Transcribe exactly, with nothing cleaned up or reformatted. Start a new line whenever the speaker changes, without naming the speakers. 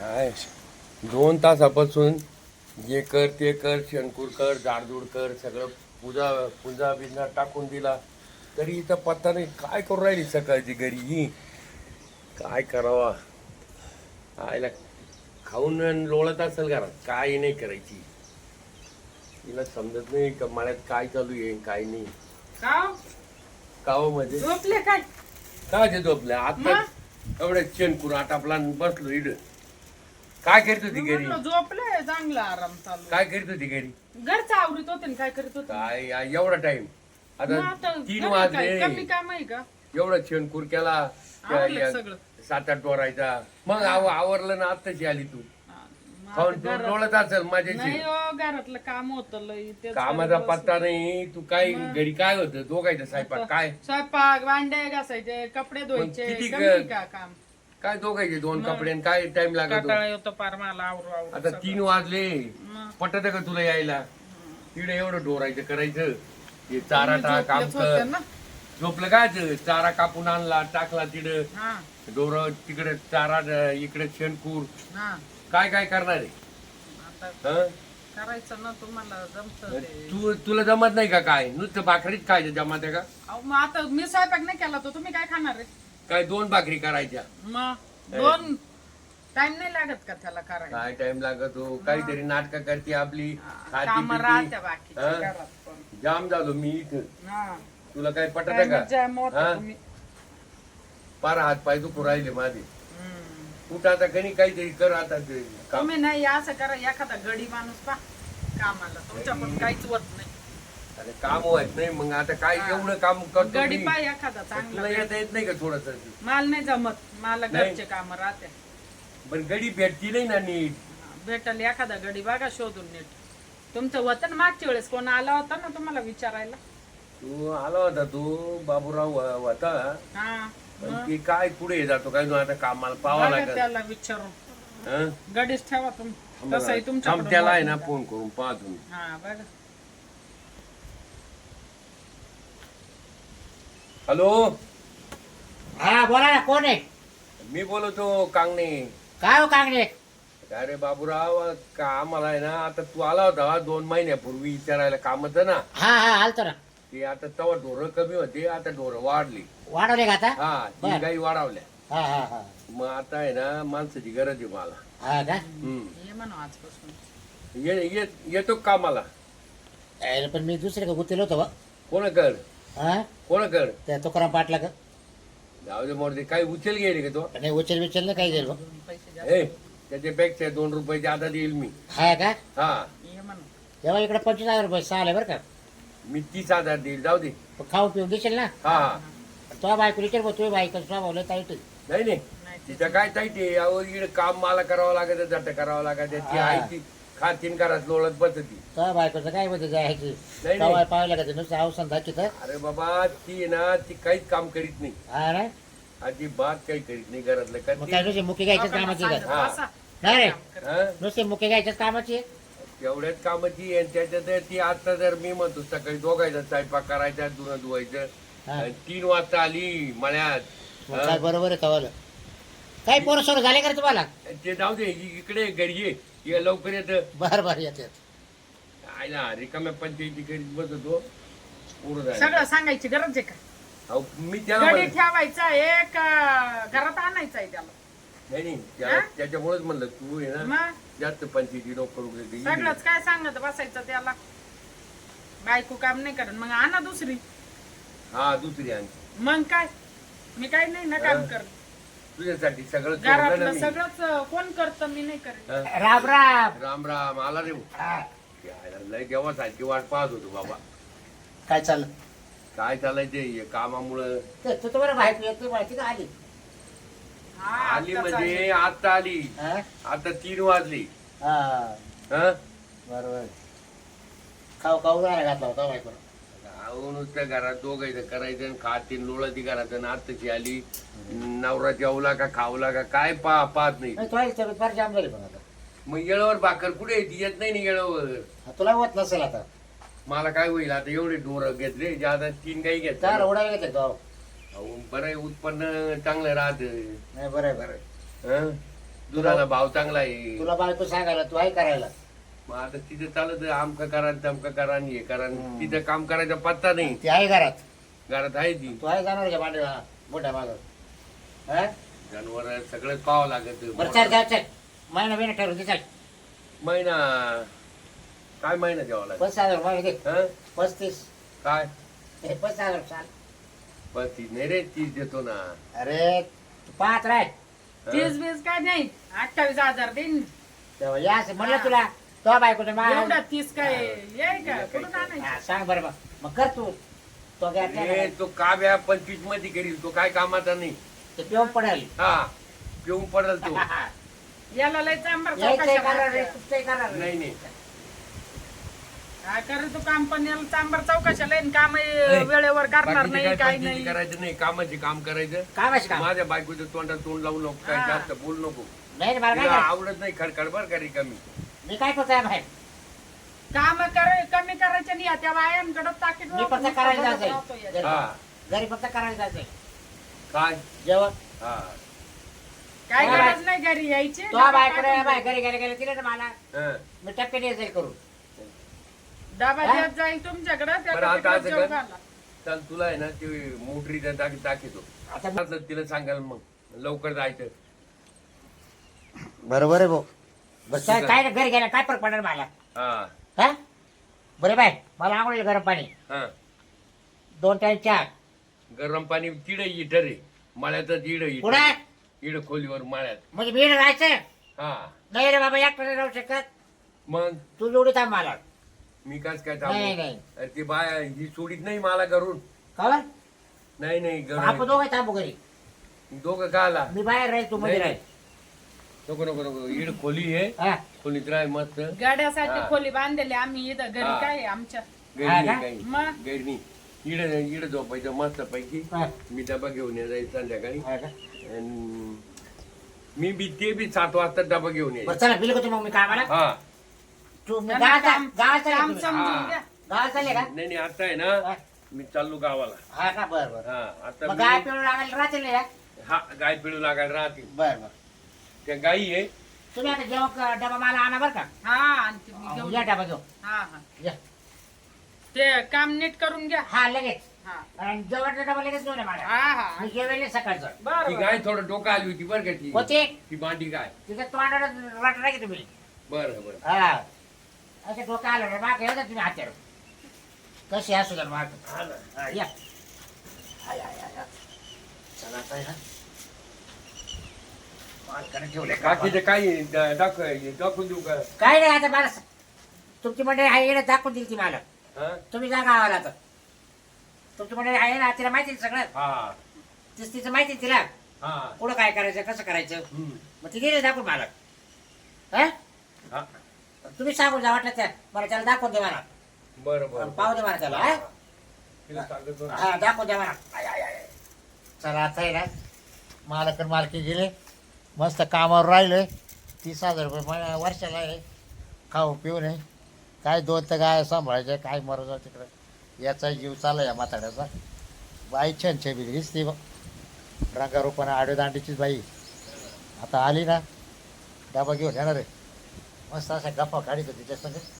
हाय दोन तासापासून जे कर ते कर शंकूर कर जाडजूड कर सगळं पूजा पूजा बिजा टाकून दिला तरी इथं पत्ता नाही. काय करू राहिली सकाळची घरी ही काय करावा. आयला खाऊन लोळत असेल घरात काय नाही करायची. तिला समजत नाही का मळ्यात काय चालू आहे काय नाही.
काव
काव मध्ये
झोपले काय
काय ते झोपल्या आता एवढ्या शेणकूर आटापला बसलो इड. काय करीत होती घरी
म्हणलं झोपले चांगला आराम चालू
काय करीत होती घरी
घरचा आवरीत होते ना काय करत होते
काय या- एवढा टाइम
मग
आता
आता
तीन
घरी काय, कमी
वाजले
काम आहे का
एवढा शेणकूर केला त्या-
आवरलं
या-
सगळं.
सात आठ वरायचा मग आव- आवरलं ना आत्ताची आली तू
हा, मग
खाऊन
आता घरात-
डोळत असेल
नाही
माझ्याशी.
हो घरातलं काम होत लय तेच
कामाचा
करत
पत्ता
बसले.
नाही. तू काय घरी काय होतं दोघायचं स्वयंपाक काय
स्वयंपाक भांडे घासायचे कपडे धुवायचे
किती
कमी
क-
का काम
काय दोघायचे दोन कपडे आणि काय टाइम लागतो.
कंटाळा येतो पार मला आवरू आवरू
आता तीन वाजले
मग.
पटत का तुला यायला. तिकडे एवढं डोरायचं करायचं हे चारा
तुम्ही
टाक काम
झोपलेच होते
कर.
ना.
झोपलं काय ते? चारा कापून आणला टाकला तिकडं
हा
डोर तिकडे चारा इकडे शेणकूर
हा
काय काय करणार आहे.
आता
हं?
करायचं ना तुम्हाला जमत ते
तू तुला जमत नाही का काय नुसतं भाकरीच काय जमत आहे का
अहो, मग आता मी स्वयंपाक नाही केला तर तुम्ही काय खाणार आहे
काय दोन भाकरी करायच्या
मग दोन टाइम नाही लागत का त्याला करायला
काय टाइम लागतो काहीतरी नाटक करते आपली खाती
काम
पिती.
राहत्या बाकीच्या
हं?
घरात पण.
जाम झालो मी इथं.
हा.
तुला काय पटत
काय
का
मज्जा आहे मोठं
हं?
तुम्ही.
पार हात पाय दुखू राहिले माझे.
हम्म.
कुठं आता कणी काहीतरी कर आता ते काम.
तुम्ही नाही असं करा एखादा गडी माणूस पा कामाला तुमच्या पण काहीच होत नाही
अरे काम होत नाही मग आता काय एवढं काम करतो
गडी
मी.
पा एखादा
तुला
चांगला
येता येत नाही का थोडस
माल नाही जमत मला
नाही.
घरचे काम राहते
पण गडी भेटती नाही ना नीट.
भेटल एखादा गडी बघा शोधून नीट तुमचं होतं ना मागच्या वेळेस कोण आला होता ना तुम्हाला विचारायला
तू आला होता तू बाबूराव हो- होता
हा
पण ती काय पुढे जातो काय नु आता कामाला पावा
बघा
लागत.
त्याला विचारून
हं?
गडीच ठेवा तुम्ही तसंही तुमच्या
थांब, त्याला आहे ना फोन करून पाहा तुम्ही.
हा बघा
हॅलो
हा बोला ना कोण आहे
मी बोलतो कांगणे.
काय हो कांगणे
अरे बाबूराव का आम्हाला आहे ना आता तू आला होता दोन महिन्यापूर्वी विचारायला कामाचं ना
हा हा आलतो ना
ते आता तेव्हा ढोरं कमी होते आता ढोरं वाढली.
वाढवले का आता
हा ती
बर.
गाई वाढवल्या.
हा हा हा
मग आता आहे ना माणसाची गरज आहे मला.
हा का
हम्म.
ये म्हणू आजपासून
ये ये- येतो का कामाला
अरे, पण मी दुसरे का गुतेल होतो बा.
कोण कर
हा
कोण कर
त्या तुकाराम पाटला का
जाऊ दे मोरते काही उचल गेले का तो.
नाही उचल विचल ना काही गेल बा.
पैसे जास्त
ए त्याच्यापेक्षा दोन रुपये जादा देईल मी.
हा का
हा
ये म्हणू
तेव्हा इकडे पंचवीस हजार रुपये सहा आले बरं का
मी तीस हजार देईल जाऊ दे.
पण खाऊ पिऊन देशील ना
हा हा
तो बायको विचार बघ तुझी बायको स्वभावलं ताईट
नाही नाही
नाही ते-
तिचं काय ताईटे यावर इकडे काम मला करावं लागत जट करावं लागत ती
हा.
आई ती खातीन घरात लोळत बसती.
तो बायकोचं काय मध्ये जायची
नाही.
तेव्हा पाहायला का ते नुसतं अवसान दाखित
अरे बाबा ती आहे ना ती काहीच काम करीत नाही.
हा ना
अजिबात काही करीत नाही घरातलं का
मग
ती-
काय नुसते मुके घ्यायच्याच
लोकांना
कामाची
सांगत
का
हा.
बसा.
नाही रे
काम करा.
हा?
नुसते मुके घ्यायच्याच कामाची आहे.
तेवढ्याच कामाची आणि त्याच्यात ती आता जर मी म्हणतो सकाळी दोघायचा स्वयंपाक करायचा धुणं धुवायचं
हा.
आणि तीन वाजता आली मळ्यात.
मग
हा?
काय बरोबर आहे तवाला काही पोरं सोरं झाले का रे तुम्हाला
ते जाऊ दे इ- इकडे घरी ये ये लवकर येत
बर बर येते
आयला रिकाम्या पंचायती करीत बसतो पूर्ण झालं.
सगळं सांगायची गरज आहे का
अहो, मी त्याला
गडी
म्हणलं-
ठेवायचा आहे का घरात आणायचा आहे त्याला
नाही नाही त्या-
हा?
त्याच्यामुळेच म्हणलं तू आहे ना
मग
जास्त पंचायती नको करू दे.
सगळंच काय सांगत बसायचं त्याला बायको काम नाही करत मग आणा दुसरी
हा दुसरी आणखी
मग काय मी काय नाही ना काम
हा.
करत
तुझ्यासाठी सगळं सोडलं ना
घरातलं
मी.
सगळंच कोण करत मी नाही करत
हा?
राम राम
राम राम आला रे भाऊ.
हा,
यायला लय देवासारखी वाट पाहत होतो बाबा.
काय चाललं
काय चालायचे हे कामामुळं.
ते तू तुम्हाला बायको येते माहिती का आली
हा,
आली
आत्ताच
म्हणजे
आली.
आता आली
हा?
आता तीन वाजली.
हा
हं?
बरोबर खाऊ खाऊ राहायला घातला होता बायकोला
अहो, नुसतं घरात दोघायचं करायचं आणि खातीन लोळती घरात आणि आत्ताची आली नवरा जेवला का खावला का काय पा पाहत नाही.
नाही तुला तब्येत फार जाम झाली पण आता
मग येळावर भाकर कुठे येते येत नाही ना येळावर.
हा, तुला होत नसेल आता
मला काय होईल आता एवढे डोर घेतले ज्यादा तीन काही घेतले.
चार उडायला घेते तो
अहो, बरं आहे, उत्पन्न चांगलं राहत.
नाही बरं आहे बरं आहे
हं? दुधाला भाव चांगला आहे.
तुला बायको सांगायला तू आहे करायला.
मग आता तिथे चालत आमकं करा तमकं करा आणि हे करा आणि तिथं काम करायचा पत्ता नाही.
ती आहे घरात.
घरात आहे ती
तू आहे जाणार का मांडीला मोठ्या माझं. हा
जनावर सगळं पाहावं लागत.
बरं चल चल चल महिना महिना ठरवून दे चल.
महिना काय महिना द्यावा लागेल?
पस्तीस हजार रुपये दे.
हं?
पस्तीस
काय
हे पस्तीस हजार चाल.
पस्तीस नाही रे तीस देतो ना.
अरे तू पाहत राह.
हं?
तीस बीस काय नाही अठ्ठावीस हजार देईन.
तेव्हा या असं म्हणलं तुला तो बायकोचं मा
एवढा तीस काय येई का कुठून आणायचं?
हा, सांग बरं मग मग कर तू तो
अरे,
घ्या
तो काव्या पंचवीस मध्ये करील. तो काय कामाचा नाही.
ते पिऊन पडेल.
हा पिऊन पडल तो.
याला लय चांबर
यायचंय करणार रे तुझंही करणार रे.
नाही नाही
काय करे तू कंपनीला चांबर चौकशा लईन काम वेळेवर करणार
बाकीचे
नाही
काय
काय
पंचायती
नाही.
करायचं नाही. कामाचे काम करायचं.
कामाची काम
माझ्या बायकोच्या तोंडात तोंड लावू नको. काय
हा.
जास्त बोलू नको.
नाही रे, मला काय
तिला
करायचं?
आवडत नाही खडखड बर का रिकामी.
मी काय करतोय बाहेर.
काम करे कमी करायचे नाही त्या बायांकडे ताकीद
मी फक्त करायला जायचंय.
हा
घरी फक्त करायला जायचंय
काय
जेवण.
हा
काय
हा,
गरज नाही घरी यायची
तो बायकोने बाय घरी गेले गेले तिला ना मला
हं.
मी टप्प्याने येईल करू.
डबा
हा?
देत जाईल तुमच्याकडे
बरं, आता
त्या
असं
जेवू
कर.
घाला.
चल तुला आहे ना ते मोटरीचा टाकी टाकीतो.
आता
आता तिला सांगाल मग लवकर जायचं.
बरोबर आहे भाऊ. बस काय काय नाही, घरी गेला काय फरक पडणार मला.
हा
हा बरे बाय मला आवडेल गरम पाणी
हा
दोन टाइम चहा.
गरम पाणी तिड इटर आहे. मळ्यातच इड
पुढे
इड खोलीवर मळ्यात.
म्हणजे मी राहायचं
हा
नाही रे बाबा एकट्याने राहू शकत.
मग
तू जोडी थांब मला.
मी काच काय
नाही
थांबू?
नाही
अरे ती बाय ही सोडीत नाही मला करून.
का बरं?
नाही नाही
मग आपण
घरून
दोघं थांबू घरी.
दोघं का आला?
मी बाहेर राहील तू मध्ये
नाही,
राहील.
नको नको नको इड खोली आहे.
हा
खोलीत राह मस्त.
गाड्यासाठी
हा.
खोली बांधलेली आम्ही इथं घरी
हा.
काय आहे आमच्या
गैर
हा
नाही
का?
काही
मग?
गैर नाही. इड इड झोपायचं मस्त पैकी.
हा.
मी डबा घेऊन ये जाईल संध्याकाळी.
हा का?
अन मी बी ते बी सात वाजता डबा घेऊन ये.
बरं चला बिल होतो मग मी कामाला.
हा
तू मी
त्यांना
गावात
काम
गावात चालले
काम
तुम्ही?
समजून
हा.
घ्या.
गावात चालले का?
नाही नाही आता आहे
हा.
ना मी चाललो गावाला.
हा का बरं बरं.
हा आता
मग गाय
मी-
पिळून लागायला राहतील ना.
हा गाय पिळू लागायला राहते.
बरं बरं.
त्या गाई आहे.
तुम्ही आता जेव्हा क- डबा मला आणा बरं का.
हा आणते मी घेऊन.
या डबा घेऊ.
हा हा
या.
ते काम नीट करून घ्या.
हा लगेच.
हा
आणि जेवणचा डबा लगेच घेऊन ये मला.
हा हा
मी जेवेल सकाळचं.
ती
बरं
गाय थोडं डोकं आली होती बरं का ती.
होते
ती मांडी गाय.
तिथं तोंडाला वाटत नाही की तुम्ही.
बरं बरं
हा असं डोकं आलं ना माग येऊ द्या तुम्ही हात्यावर. कशी असू द्या माग.
हा ना.
हा, या. हा, या, या, या. चला आता आहे ना. मालकाने ठेवले का?
बाकीचे काही दा- दाखव दाखवून देऊ का?
काय नाही आता मला स- तुमची मंडळी आहे येणं दाखवून दिली ती मला.
हा
तुम्ही जा गावाला आता. तुमची मंडळी आहे ना तिला माहिती आहे सगळं.
हा
तीच तिचं माहिती आहे तिला.
हा
पुढं काय करायचं कसं करायचं.
हम्म.
मग ती दिली दाखवून मला. हा
हा
तुम्ही सांगून जा वाटलं त्या मला त्याला दाखवून दे मला.
बरं बरं
पाहू दे मला त्याला. हा?
तिला सांगतो ना.
हा दाखवून द्या मला. आय, आय, आय. चला आता आहे ना मालक आणि मालकी गेले मस्त कामावर राहिले. तीस हजार रुपये महिना वर्षाला आहे. खाऊ पिऊ नये काय दोन तर काय सांभाळायचं काय मरायचं तिकडं. याचा जीव चालला या म्हाताड्याचा. बाई छान छबी दिसते बघ. रंगारूपानं आडोदांडीचीच बाई आता आली ना डबा घेऊन येणार आहे. मस्त असा गप्पा काढित तिच्या संग.